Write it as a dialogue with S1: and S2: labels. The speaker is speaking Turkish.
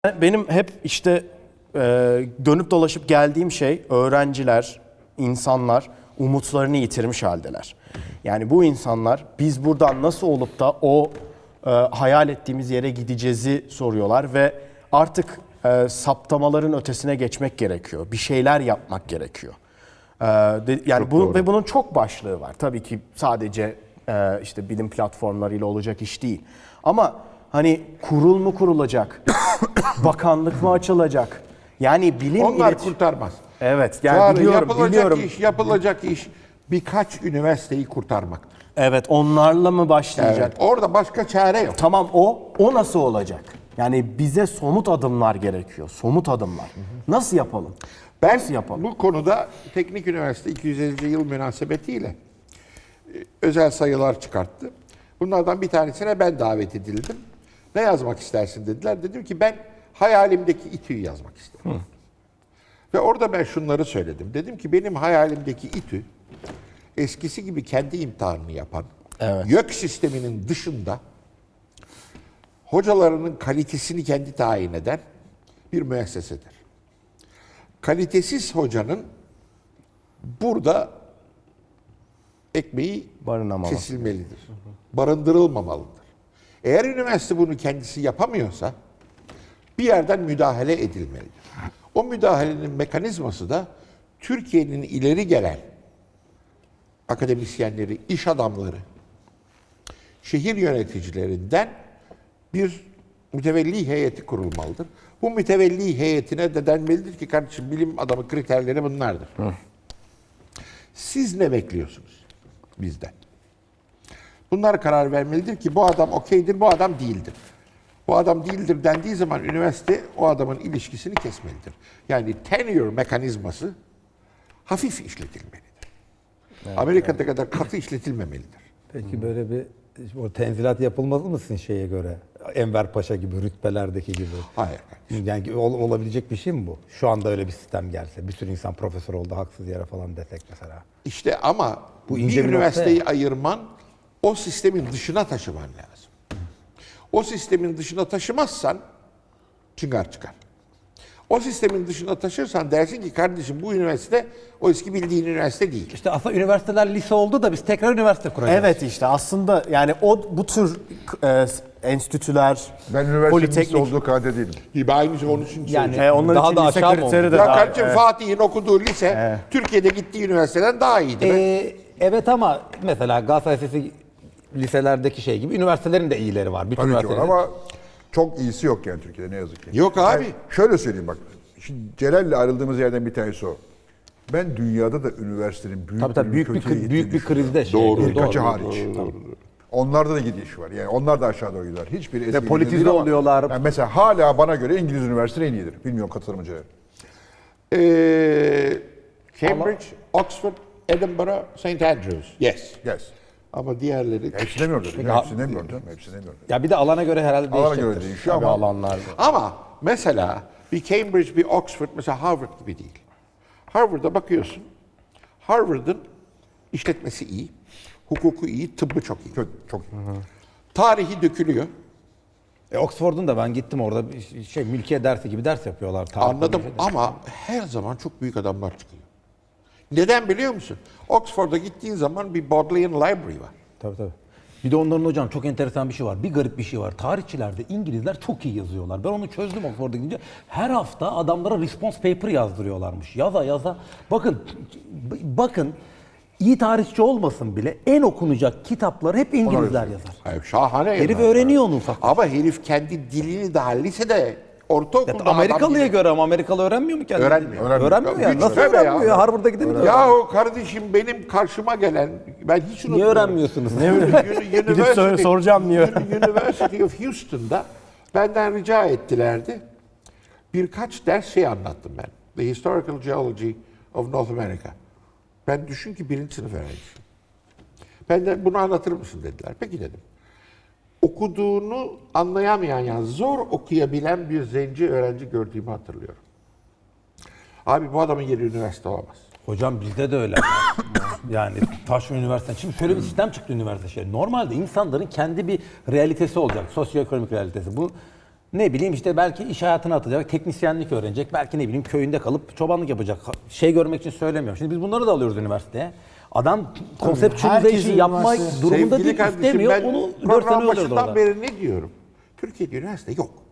S1: Benim hep işte dönüp dolaşıp geldiğim şey öğrenciler, insanlar umutlarını yitirmiş haldeler. Yani bu insanlar biz buradan nasıl olup da o hayal ettiğimiz yere gideceğizi soruyorlar ve artık saptamaların ötesine geçmek gerekiyor. Bir şeyler yapmak gerekiyor. Yani bu ve bunun çok başlığı var. Tabii ki sadece işte bilim platformlarıyla olacak iş değil. Ama hani kurul mu kurulacak? Bakanlık mı açılacak? Yani bilim
S2: onlar kurtarmaz.
S1: Evet, yani biliyorum.
S2: Yapılacak iş birkaç üniversiteyi kurtarmaktır.
S1: Evet, onlarla mı başlayacak?
S2: Evet, orada başka çare yok.
S1: Tamam, o nasıl olacak? Yani bize somut adımlar gerekiyor. Somut adımlar. Nasıl yapalım?
S2: Ben
S1: Nasıl yapalım?
S2: bu konuda Teknik Üniversite 250. yıl münasebetiyle özel sayılar çıkarttı. Bunlardan bir tanesine ben davet edildim. Ne yazmak istersin dediler. Dedim ki ben hayalimdeki İTÜ'yü yazmak isterim. Ve orada ben şunları söyledim. Dedim ki benim hayalimdeki İTÜ eskisi gibi kendi imtihanını yapan, YÖK sisteminin dışında hocalarının kalitesini kendi tayin eden bir müessesedir. Kalitesiz hocanın burada ekmeği kesilmelidir. Barındırılmamalıdır. Eğer üniversite bunu kendisi yapamıyorsa bir yerden müdahale edilmelidir. O müdahalenin mekanizması da Türkiye'nin ileri gelen akademisyenleri, iş adamları, şehir yöneticilerinden bir mütevelli heyeti kurulmalıdır. Bu mütevelli heyetine de denmelidir ki kardeşim bilim adamı kriterleri bunlardır. Siz ne bekliyorsunuz bizden? Bunlar karar vermelidir ki bu adam okeydir, bu adam değildir. Bu adam değildir dendiği zaman üniversite o adamın ilişkisini kesmelidir. Yani tenure mekanizması hafif işletilmelidir. Evet, Amerika'da kadar katı işletilmemelidir.
S3: Peki böyle bir o tenzilat yapılmaz mısın şeye göre? Enver Paşa gibi, rütbelerdeki gibi.
S2: Hayır.
S3: Yani olabilecek bir şey mi bu? Şu anda öyle bir sistem gelse, bir sürü insan profesör oldu haksız yere falan desek mesela.
S2: İşte ama
S3: bu
S2: bir üniversiteyi ayırman, o sistemin dışına taşıman lazım. O sistemin dışına taşımazsan çıngar çıkar. O sistemin dışına taşırsan dersin ki kardeşim bu üniversite o eski bildiğin üniversite değil.
S3: İşte aslında üniversiteler lise oldu da biz tekrar üniversite kuracağız.
S1: Evet, işte aslında yani bu tür enstitüler,
S4: Ben üniversitenin
S1: politeknik
S4: olduğu kanaat değilim.
S2: Aynı onun için
S3: Yani
S1: onlar
S3: daha
S1: için
S3: da
S1: lise
S3: aşağı mı
S1: kriteri
S3: oldu?
S1: de
S2: ya
S1: daha-
S2: kardeşim Fatih'in okuduğu lise Türkiye'de gittiği üniversiteden daha iyiydi.
S3: Evet ama mesela Galatasaray Lisesi liselerdeki şey gibi üniversitelerin de iyileri var. Bütün
S4: Tabii ki var
S3: üniversitelerin-
S4: ama çok iyisi yok yani Türkiye'de ne yazık ki.
S2: Yok abi.
S4: Yani şöyle söyleyeyim bak. Şimdi Celal'le ayrıldığımız yerden bir tanesi o. Ben dünyada da üniversitenin
S3: Tabii büyük bir krizde şey.
S2: Doğru.
S4: Birkaçı hariç. Onlarda da gidiş var. Yani onlar da aşağı doğru gidiyor. Hiçbir eski
S3: politize
S4: değil ama
S3: oluyorlar.
S4: Yani mesela hala bana göre İngiliz üniversiteleri en iyidir. Bilmiyorum katılır mı Celal?
S2: Cambridge, Oxford, Edinburgh, St. Andrews. Yes.
S4: Yes.
S2: Ama diğerleri...
S4: Hepsini demiyorum dedim. Hepsini demiyorum canım. Hepsini demiyorum.
S3: Ya bir de alana göre herhalde
S4: Alana
S3: değişecektir.
S4: göre değişiyor
S1: Tabii
S4: ama
S1: alanlar.
S2: Ama mesela bir Cambridge, bir Oxford, mesela Harvard gibi değil. Harvard'a bakıyorsun. Harvard'ın işletmesi iyi, hukuku iyi, tıbbı çok iyi.
S4: çok iyi.
S2: Tarihi dökülüyor.
S3: Oxford'un da ben gittim orada bir şey mülkiye dersi gibi ders yapıyorlar. Tarih
S2: Anladım
S3: falan.
S2: ama her zaman çok büyük adamlar çıkıyor. Neden biliyor musun? Oxford'a gittiğin zaman bir Bodleian Library var.
S3: Tabii. Bir de onların hocam çok enteresan bir şey var. Bir garip bir şey var. Tarihçilerde İngilizler çok iyi yazıyorlar. Ben onu çözdüm Oxford'a gidince. Her hafta adamlara response paper yazdırıyorlarmış. Yaza. Bakın iyi tarihçi olmasın bile en okunacak kitapları hep İngilizler yazar.
S2: Hayır, şahane.
S3: Herif
S2: yazar.
S3: öğreniyor onu ufak.
S2: Ama herif kendi dilini daha lisede, ortaokulda
S3: Amerikalıya
S2: adam
S3: göre ama Amerikalı öğrenmiyor mu kendini?
S2: Öğrenmiyor.
S3: Öğrenmiyor yani.
S2: Güç
S3: Nasıl
S2: tabii
S3: öğrenmiyor
S2: ya.
S3: ya? Harvard'a gidemiyor.
S2: Yahu kardeşim benim karşıma gelen, ben hiç unutmuyorum.
S3: Niye öğrenmiyorsunuz?
S1: Gidip soracağım niye?
S2: University of Houston'da benden rica ettilerdi. Birkaç ders şey anlattım ben. The Historical Geology of North America. Ben düşün ki birinci sınıf öğrencisiyim. Benden bunu anlatır mısın dediler. Peki dedim. Okuduğunu anlayamayan, yani zor okuyabilen bir zenci öğrenci gördüğümü hatırlıyorum. Abi bu adamın yeri üniversite olamaz.
S3: Hocam bizde de öyle. Yani Taş Üniversitesi. Şimdi şöyle bir sistem çıktı üniversite şey. Normalde insanların kendi bir realitesi olacak. Sosyoekonomik realitesi. Bu Ne bileyim işte belki iş hayatına atacak, teknisyenlik öğrenecek, belki ne bileyim köyünde kalıp çobanlık yapacak. Şey görmek için söylemiyorum. Şimdi biz bunları da alıyoruz üniversiteye. Adam konseptüelizasyon
S1: herkesin
S3: yapmak
S1: üniversitesi-
S3: durumunda
S2: Sevgili
S3: değil,
S2: kardeşim,
S3: istemiyor.
S2: ben
S3: Onu 4 sene
S2: program
S3: öldürdü
S2: başından
S3: orada.
S2: beri ne diyorum? Türkiye'de üniversite yok.